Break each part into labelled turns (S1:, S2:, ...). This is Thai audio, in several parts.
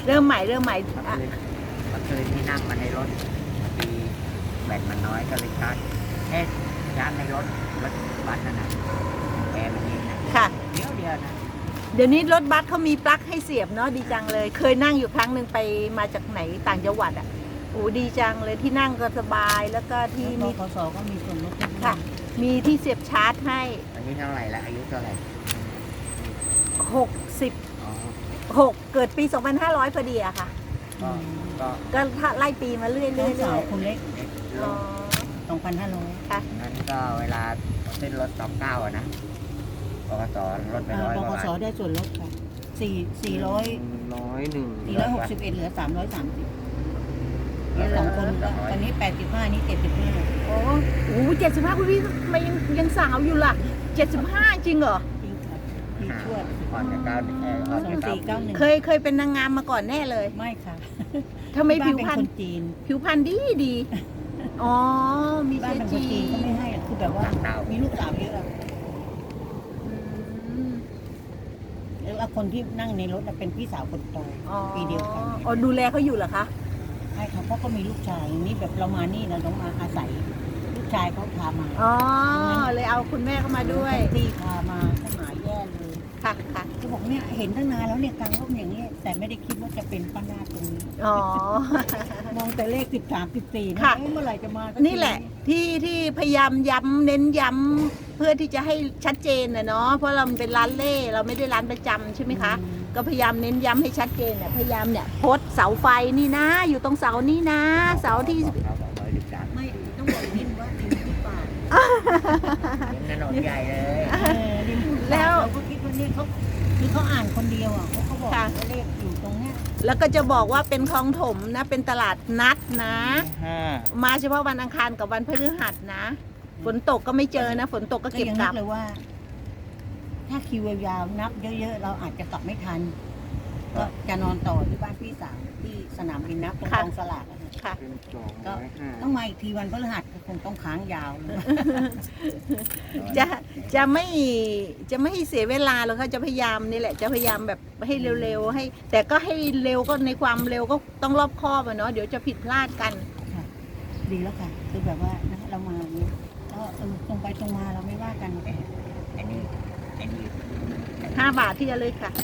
S1: เริ่มใหม่
S2: เมื่อคืนที่นั่งมาในรถมีแบตมันน้อยก็เลยชาร์จในรถบัสนั่นนะแอร์มันเย็นนะ
S1: ค่ะ
S2: เดียวนะ
S1: เดี๋ยวนี้รถบัสเขามีปลั๊กให้เสียบเนาะดีจังเลย เคยนั่งอยู่ครั้งหนึ่งไปมาจากไหนต่างจังหวัดอ่ะโอ้ดีจังเลยที่นั่งก็สบายแล้วก็ที่
S3: บ
S1: มี
S3: ขสก็มีส่วนลด
S1: ค่ะ มีที่เสียบชาร์จให้
S2: อันนี้เท่าไหร่ละอายุเท่าไหร่
S1: 66เกิดปี 2500พอดีอะค่ะ
S2: ก็
S1: ก็ถ้าไล่ปีมาเรื่อยๆ
S3: น้องสาว
S1: ๆ
S3: คนเล็ก
S1: อ๋อ
S3: 2,500
S1: ค่ะ
S2: นั้นก็เวลาขึ้นรถ29อ่ะนะปกสลดไป100
S3: บ
S2: กว่า
S3: ข
S2: บาท
S3: สได้ส่วนลดค่ะ461เหลือ330แล้ว2คนก็ตอนนี้85นี่75
S1: โอ้โห75คุณพี่ทำไมยังสาวอยู่ล่ะ75จริงเหรอ
S3: จริงค่ะมีทวด
S2: ก่อนจะก้าวก่อนจะก้าว
S3: 2491
S1: เคยเป็นนางงามมาก่อนแน่เลย
S3: ไม่ค่ะ
S1: ทำไม
S3: บ้า
S1: ผิ
S3: น
S1: ว
S3: เป็น
S1: พรร
S3: ค
S1: ณ
S3: นจีน
S1: ผิวพรรณดีอ๋อมี
S3: บ้าน
S1: เชื้อ
S3: เป็นคน
S1: จี
S3: จีน
S1: น
S3: ก็ไม่ให้อะคือแบบว่ามีลูกสาวเยอะอะ
S1: อืม
S3: แล้วคนที่นั่งในรถเป็นพี่สาวคนโต
S1: อ๋อ
S3: ปีเดียวกัน
S1: อ๋อดูแลเขาอยู่เหรอคะ
S3: ใช่ค่ะเพราะก็มีลูกชายนี่แบบเรามานี่เราต้องมาอาศัยลูกชายเขาพามา
S1: อ๋อเลยเอาคุณแม่เข้ามาด้วย
S3: ตีพามาก็หายแย่เลย
S1: ค่ะค่ะ
S3: เขาบอกเนี่ยเห็นตั้งนานแล้วเนี่ยกลางร่มอย่างนี้แต่ไม่ได้คิดว่าจะเป็นป้านาฏตรงนี้
S1: อ๋อ
S3: มองแต่เลข13 14นะ
S1: ค่ะ
S3: เอ๊ะเมื่อไหร่จะมาสักที
S1: นี่แหละที่พยายามย้ำเน้นย้ำเพื่อที่จะให้ชัดเจนนะเนาะเพราะเราเป็นร้านเล่เราไม่ได้ร้านประจำใช่ไหมคะ ก็พยายามเน้นย้ำให้ชัดเจนเนี่ยพยายามเนี่ยโพสต์เสาไฟนี่นะ อยู่ตรงเสานี่นะ เสาที่
S3: ไม่ต้องบอกนิดว่าริมที่ป่า
S2: ถนนใหญ่เลย
S3: ริมที่ป่า
S1: แล้ว
S3: เราก็คิดว่าเนี่ยเขาคือเขาอ่านคนเดียวอ่ะเขาบอก
S1: ค่ะ
S3: ว่าเลขอยู่ตรงเนี้ย
S1: แล้วก็จะบอกว่าเป็นคลองถมนะ เป็นตลาดนัดนะ
S4: 5
S1: มาเฉพาะวันอังคารกับวันพฤหัสนะ ฝนตกก็ไม่เจอนะ ฝนตกก็
S3: ก็
S1: เก็บ
S3: ยัง
S1: ก
S3: นึ
S1: ลั
S3: ก
S1: บ
S3: เลยว่า ถ้าคิวยาวๆนับเยอะๆเราอาจจะกลับไม่ทัน ก็จะนอนต่อที่บ้านพี่สาวที่สนามบินนับตรง
S1: ค่ะ
S3: กองสลากอะค่ะ
S1: ค่ะ
S4: เป็น
S3: ต้องมาอีกทีวันพฤหัสก็คงต้องค้างยาวเลย
S1: จะจะไม่ให้เสียเวลาหรอกค่ะจะพยายามนี่แหละจะพยายามแบบให้เร็วๆให้ แต่ก็ให้เร็วก็ในความเร็วก็ต้องรอบคอบอะเนาะเดี๋ยวจะผิดพลาดกัน
S3: ค่ะ ดีแล้วค่ะ คือแบบว่านะเรามาเนี่ยก็ตรงไปตรงมาเราไม่ว่ากัน
S2: อันนี้
S1: 5 บาทที่จะเลยค่ะ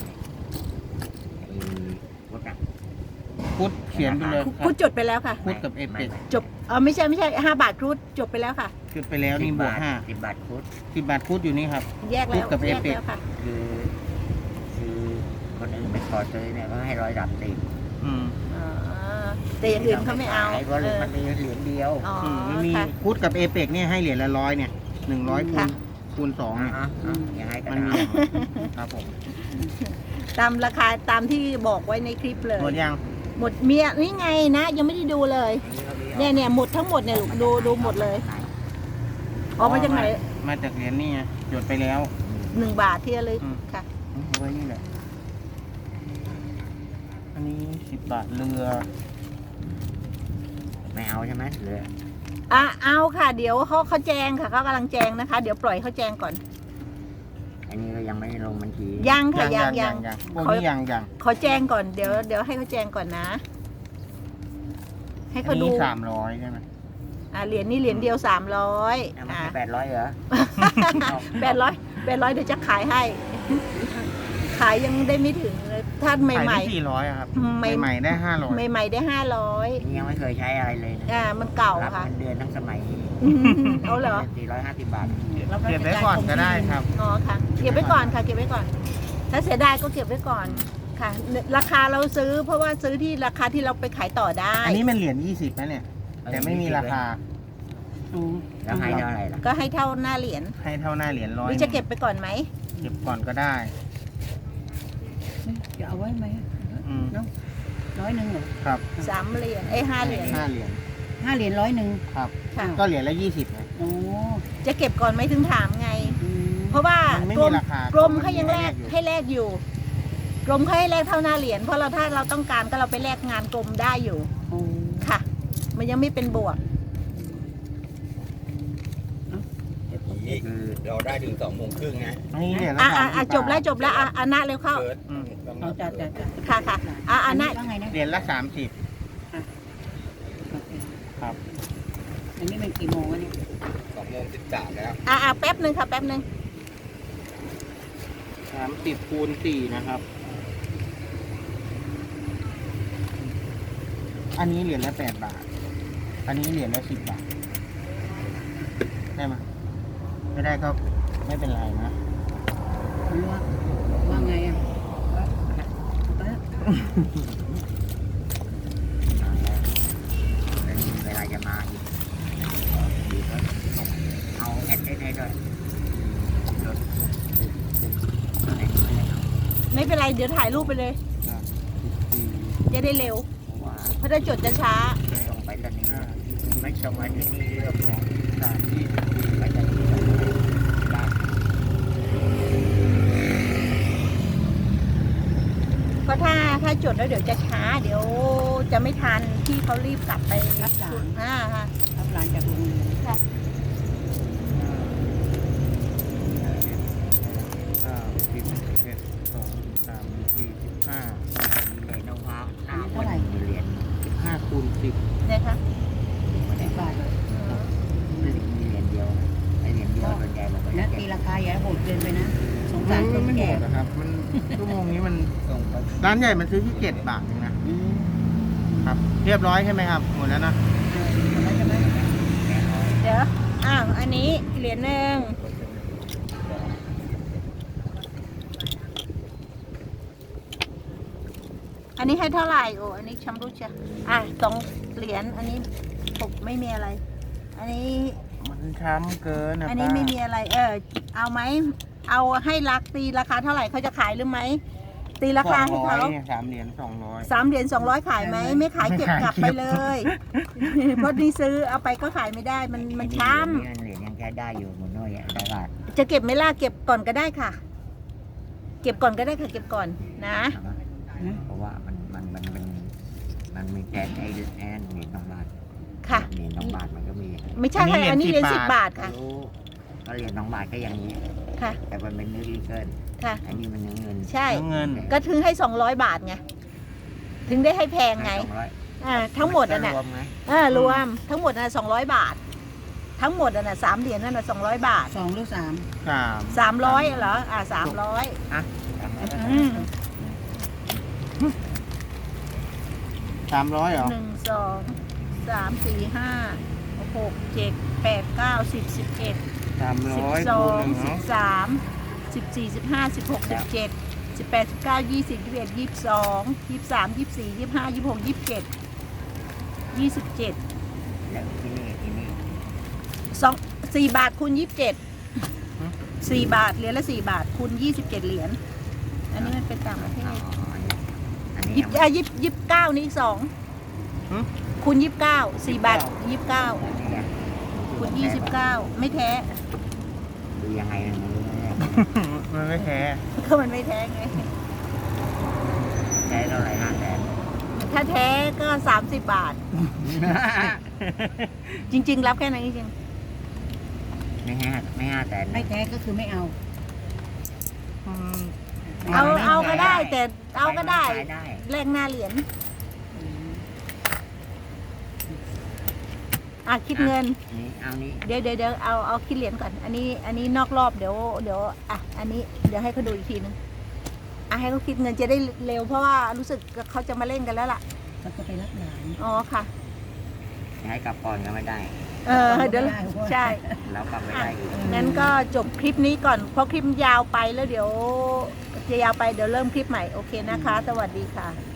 S2: รถอะ
S4: พุทธเขียนไปเลยครั
S1: คุ
S4: บ
S1: ดจดไปแล้วค่ะ
S4: พุทธกับเอเปก
S1: จบไม่ใช่5 บาทครุดจบไปแล้วค่ะ
S4: จุดไปแล้วนี่บวก
S2: 10 บาทคุด
S4: 5 10 บาทพุทธอยู่นี่ครับ
S1: แยกแล้ว
S4: คุดกับ
S1: แยก
S4: Epic
S1: แล้วค่ะ
S2: คือคนอื่นไปขอซื้อเนี่ยก็ให้130
S4: อืม
S1: อ๋อแต่อย่างอื่นเขาไม่เอา
S2: เพราะมันมีเหรียญเดียว
S1: อ๋อ
S4: มันมี
S1: ค่ะ
S4: พุทธกับเอเปกเนี่ยให้เหรียญละ100เนี่ย100
S1: ค่ะ
S4: คูณ2เนี่ย
S2: ยังไงก็
S4: มัน
S2: ได้
S4: มีครับผม
S1: ตามราคาตามที่บอกไว้ในคลิปเลย
S4: หมดยัง
S1: หมดเมียนี่ไงนะ ยังไม่ได้ดูเลย เนี่ยหมดทั้งหมดเนี่ยลูกดูหมดเลยออกมาจากไหน
S4: มาจากเหรียญนี่ไงจดไปแล้ว
S1: 1 บาทที่ระลึก
S4: อืม
S1: ค่ะ
S4: เอาไว้นี่แหละ อันนี้10 บาทเรือ
S2: ไม่เอาใช่ไหมเหลือ
S1: เอาค่ะ เดี๋ยวเขาแจงค่ะเขากำลังแจงนะคะ เดี๋ยวปล่อยเขาแจงก่อน
S2: อันนี้ก็ยังไม่ลงบัญชี
S1: ยังค่ะยัง
S4: พวกนี้ยัง
S1: ขอแจงก่อนเดี๋ยวให้เขาแจงก่อนนะ ให้
S4: อั
S1: เขา
S4: น
S1: ดู
S4: นี้300ใช่ไหม
S1: เหรียญนี่เหรียญเดียว300
S2: ไม่ใช่800เหรอ
S1: 800เดี๋ยวจะขายให้ ขายยังได้ไม่ถึงเลยถ้าให
S4: ขาย
S1: ม่
S4: ได้400อะครับ
S1: ใหม่
S4: ใหม่ๆได้500
S1: ใหม่ๆได้500
S2: นี่ยังไม่เคยใช้อะไรเลยนะ
S1: มันเก่า
S2: รับ
S1: ค่ะ
S2: เงินเดือนทั้งสมัย
S1: เอาเหรอ
S2: 450 บาท
S4: เก็บไว้ก่อนก็ได้ครับ
S1: อ๋อค่ะ เก็บไว้ก่อนค่ะ เก็บไว้ก่อน ถ้าเสียดายก็เก็บไว้ก่อนค่ะ ราคาเราซื้อเพราะว่าซื้อที่ราคาที่เราไปขายต่อได้
S4: อันนี้มันเหรียญ20นะเนี่ย แต่ไม่มีราคา
S2: แล้วให้เท่าไหร่ล่ะ
S1: ก็ให้เท่าหน้าเหรียญ
S4: ให้เท่าหน้าเหรียญ
S1: หรือจะเก็บไปก่อนไหม
S4: เก็บก่อนก็ได้
S3: จะเอาไว้ไหม
S4: อืม
S3: เนาะ100เหรอ
S4: ครับ
S1: 3 เหรียญ5 เหรียญ
S4: 5 เหรียญ
S3: 5 เหรียญ100
S4: ครับ
S1: ค่ะ
S4: ก็เหรียญละ20ไง
S3: โอ้
S1: จะเก็บก่อนไหมถึงถามไง
S3: อืม
S1: เพราะว่าม
S4: นไม่
S1: กร
S4: มี
S1: ม
S4: ราคาก
S1: รมเขายังแลก
S4: อยู่
S1: ให้แลกอยู่ กรมเขาให้แลกเท่าหน้าเหรียญเพราะถ้าเราต้องการก็เราไปแลกงานกรมได้อยู่
S3: โอ้
S1: ค่ะ มันยังไม่เป็นบวก
S5: นี่คือเราได้ถึง2:30นะ
S4: อันนี้เหรียญละ30 บาท
S1: จบแล้วนะเร็วเข้า
S5: เกิด
S4: อืม
S5: ไป
S3: เอาจ้ะ
S1: ค่ะค่ะอันนั้น
S3: ว่าไงนะ
S4: เหรียญละ30
S3: โอเค
S4: ครับ
S3: อันนี้มันกี่โมงวะเนี่ย
S2: 2:13แล้ว
S1: แป๊บหนึ่งค่ะแป๊บหนึ่ง
S4: 30 คูณ 4 นะครับ อันนี้เหรียญละ8 บาท อันนี้เหรียญละ10 บาท ได้ไหมไม่ได้ก็ไม่เป็นไรนะ
S3: ว่าไงอ่ะ
S2: เวลาจะมาอีกดีก็ส่งเอาแอดให้ด้วยรถอะไรไม่ได้เอา
S1: ไม่เป็นไรเดี๋ยวถ่ายรูปไปเลย จะได้เร็ว
S2: เพราะว่า
S1: เพราะถ้าจดจะช้า
S2: ส่งไปตอนนี้ไม่ส่งมาที่นี่เรื่องของไปตอนนี้ได้
S1: เพราะถ้าจดแล้วเดี๋ยวจะช้า เดี๋ยวจะไม่ทันที่เขารีบกลับไป
S3: รับหลาน
S1: ค่ะ
S3: รับหลานจากโรงเรียน
S1: ค่ะ
S2: เหรียญน้องพระหน้าวันเหรียญ
S4: 15 คูณ 10
S1: เนี่ยค่ะ
S2: ไม่ได้
S3: 10 บาท
S2: มีเหรียญเดียวไอเหรียญเดียวส่วนใหญ่มันก็
S3: นะ
S2: จะ
S3: ตี
S2: เก็บ
S3: ราคาอย่าโหดเกินไปนะสง
S4: มั
S3: สารคน
S4: ไม่หม
S3: แก่
S4: ดนะครับ มันชั่วโมงนี้มัน
S2: ส่งไป
S4: ร้านใหญ่มันซื้อที่7 บาทเองนะ
S3: อืม
S4: ครับ เรียบร้อยใช่ไหมครับ หมดแล้วนะ
S3: แล้วจะไม่
S2: แน่นอน
S1: เดี๋ยวอันนี้เหรียญหนึ่งอันนี้ให้เท่าไหร่โอ้อันนี้ชำรุดเชียว2 เหรียญอันนี้ปกไม่มีอะไร อันนี้
S4: มันช้ำเกินนะ
S1: อันนี้ไม่มีอะไร เอาไหมเอาให้ตีราคาเท่าไหร่เขาจะขายหรือไหมตีราคาให้เขา
S4: 3 เหรียญ 200
S1: 3 เหรียญ 200 ขายไหมไม่ขายเก็บกลับไปเลย เพราะนี่ซื้อเอาไปก็ขายไม่ได้มันช้
S2: เหรียญยังแค่ได้อยู่หมดน้อยได้บาท
S1: ำจะเก็บไหม่ล่ะเก็บก่อนก็ได้ค่ะ เก็บก่อนก็ได้ค่ะเก็บก่อนนะ
S2: เพราะว่ามันมีแทนไอ้เหรียญน้องบาท
S1: ค่ะ
S2: เหรียญน้องบาทมันก็มี
S1: ไม่ใช่ค่ะอันนี้เหรียญ10 บาทค่ะ
S2: รู้ก็เหรียญน้องบาทก็อย่างนี้
S1: ค่ะ
S2: แต่มันเป็นเนื้อดีเกิน
S1: ค่ะ
S2: อันนี้มันเนื้อเงิน
S1: ใช่
S4: เงิน
S1: ก็ถึงให้200 บาทไงถึงได้ให้แพงไง
S2: 200
S1: ทั้งหมดอ่ะน่ะ
S4: รวมไหม
S1: รวมทั้งหมดน่ะ200 บาท ทั้งหมดอ่ะน่ะ3 เหรียญนั่นน่ะ200 บาท
S3: 2 หรือ 3
S1: 300เหรอ300
S4: 300เหรอ
S1: 1 2 3 4 5 6 7 8 9 10 11
S4: 300
S1: 12
S4: คูณ1เนาะ
S1: 13 14 15 16 17 18 19 20 21 22 23 24 25 26 27 27
S2: แล้วที่นี่
S1: 4 บาทคูณ27 4 บาทเหรียญละ4 บาทคูณ27 เหรียญอันนี้มันเป็นต่างประเทศ
S2: อันนี้
S1: 29นี่2คูณ29 4 บาท 29คูณ29 ไม่แท้
S2: ดูยังไงมันรู้ไหม
S4: มันไม่แท้
S1: ก็มันไม่แท้ไง
S2: ใช้เท่าไหร่500,000
S1: ถ้าแท้ก็30 บาท จริง ๆ รับแค่นั้นจริง
S2: ไม่500,000
S3: ไม่แท้ก็คือไม่เอา
S1: เอาก็ได้แต่เอาก็ได้
S2: ขายได้
S1: แลกหน้าเหรียญคิดเงิน
S2: เอานี้
S1: เดี๋ยวเอาคิดเหรียญก่อน อันนี้นอกรอบเดี๋ยวอันนี้เดี๋ยวให้เขาดูอีกทีนึงให้เขาคิดเงินจะได้เร็วเพราะว่ารู้สึกเขาจะมาเล่นกันแล้วล่ะ
S3: ก็จะไปรับหลาน
S1: อ๋อค่ะ
S2: ให้กลับก่อนก็ไม่ได้
S1: เดี๋ยวใช่
S2: แล้วกลับไม่ได้อีก
S1: งั้นก็จบคลิปนี้ก่อนเพราะคลิปยาวไปแล้วเดี๋ยวจะยาวไปเดี๋ยวเริ่มคลิปใหม่โอเคนะคะ สวัสดีค่ะ